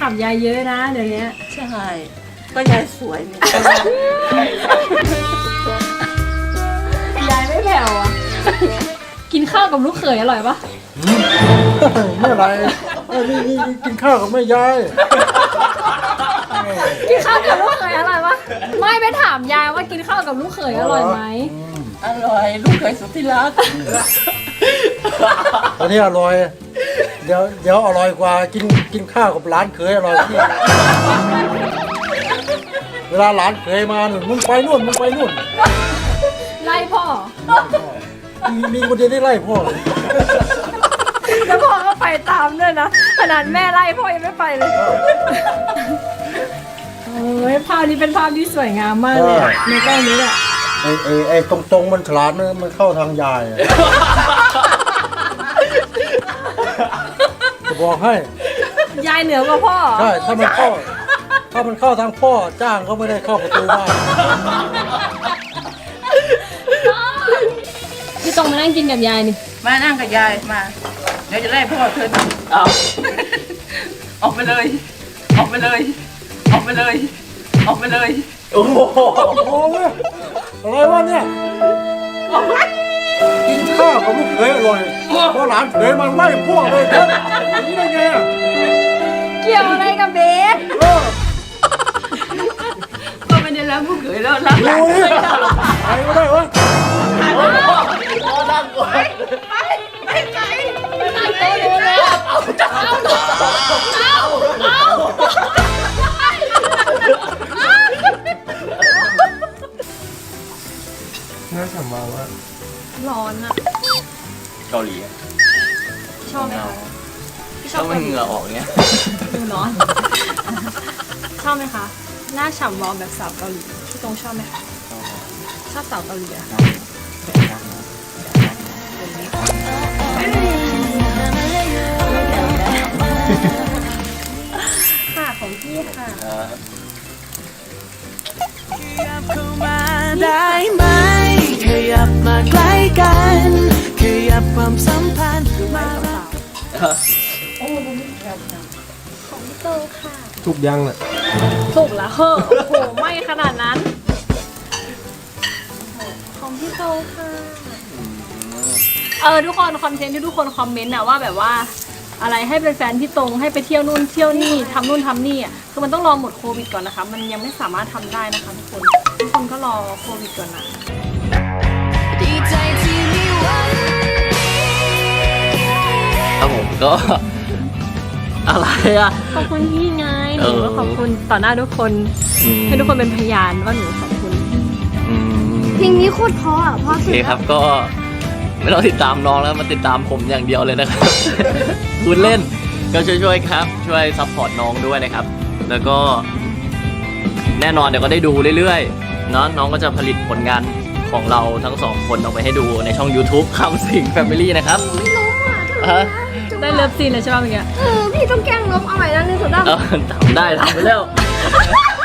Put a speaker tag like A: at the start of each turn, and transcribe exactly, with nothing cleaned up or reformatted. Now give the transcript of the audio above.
A: ามยายเยอะนะเดี๋ยวนี้
B: ใช่ก็ยายสวยนี่
A: ยายไม่แผ่วอ่ะกินข้าวกับลูกเขยอร่อยปะ
C: เมื่อไรเออนี่นี่กินข้าวกับแม่ยาย
A: กินข้าวกับลูกเขยอร่อยปะไม่ไปถามยายว่ากินข้าวกับลูกเขยอร่อยไหม
B: อร่อยลูกเขยสุดที่รัก
C: ตอนนี้อร่อยเดี๋ยวเดี๋ยวอร่อยกว่ากินกินข้าวกับหลานเขยอร่อยที่เวลาหลานเขยมาหนุนมึงไปนู่นมึงไปนู่น
A: ไล่พ่อ
C: มีมีคนเดียวได้ไล่พ่อเลย
A: แล้วพ่อก็ไปตามด้วยนะขนาดแม่ไล่พ่อยังไม่ไปเลยโอ้ยภาพนี้เป็นภาพที่สวยงามมากเลยในกล้องนี้แหละ
C: ไอ้ไอ้ไอ้ตรงตรงมันฉลาดนะมันเข้าทางยายจะบอกให้
A: ยายเหนือกว่าพ่อ
C: ใช่ถ้ามันเข้าถ้ามันเข้าทางพ่อจ้างก็ไม่ได้เข้าประตูบ้าน
A: พี่ตรงมานั่งกินกับยายนี่
B: มานั่งกับยายมาเดี๋ยวจะไล่พ่อเธอเอาออกไปเลยออกไปเลยออกไปเลยออกไปเลย
C: โอ้โหอะไรวะเนี่ยกินข้าวกับลูกเขยอร่อยเพราะหลานเขยมันไล่พวกเลยครับอย่างนี้ได้ไงอ่ะ
A: เกี่ยวอะไรกับเบส
B: ก็ไม่ได้แล้วลูกเขยแล้วรักหลาน
C: เลยใครก็ได้วะ
B: นั่งก่อนไปไปไป
A: นั่งโต๊ะดูเลยเอาเอาเอาเอา
C: น่าสำมาว่า
A: ร้อนอะ
D: เกาหลี
A: ชอบไหมคะ
D: ชอบมันเหงื่อออกเนี้ย
A: ดูร้อนชอบไหมคะหน้าฉ่ำวอลแบบสาวเกาหลีพี่ตรงชอบไหมคะชอบสาวเกาหลีอะค่ะของพี่ค่ะ
E: ขยับเข้ามาได้ไหมขยับมาใกล้กันขยับความสัมพันธ์มา
A: โอ้โหของพี่โตค่ะ
C: ทุกยังเลย
A: ถูกแล้วเฮ้อโอ้โหไม่ขนาดนั้นของพี่โตค่ะเออทุกคนคอนเทนต์ที่ทุกคนคอมเมนต์นะว่าแบบว่าอะไรให้เป็นแฟนพี่ตรงให้ไปเที่ยวนู่นเที่ยวนี่ทำนู่นทำนี่อ่ะคือมันต้องรอหมดโควิดก่อนนะคะมันยังไม่สามารถทำได้นะคะทุกคนทุกคนก็รอโควิดก่อนนะ
E: ดีใจที่มีวัน
D: ครับผมก็อะไรอ่ะ
A: ขอบคุณพี่ไงหนูก็ขอบคุณต่อหน้าทุกคนให้ทุกคนเป็นพยานว่าหนูขอบคุณเพลงนี้โคตรเพราะอ่ะเพราะสุด
D: โอเคครับก็ไม่ต้องติดตามน้องแล้วมาติดตามผมอย่างเดียวเลยนะครับคุณเล่นก็ช่วยๆครับช่วยซัพพอร์ตน้องด้วยนะครับแล้วก็แน่นอนเดี๋ยวก็ได้ดูเรื่อยๆเนาะน้องก็จะผลิตผลงานของเราทั้งสองคนออกไปให้ดูในช่อง YouTube คำสิง Family นะครับ
A: ไม่ล้มอ่ะได้เลิฟซีนเลยใช่ไหมเมื่อกี้เออพี่ต้องแกล้งล้มเอาใหม่นะหนึ่งสองสาม
D: ทำได้ทำไปแล้ว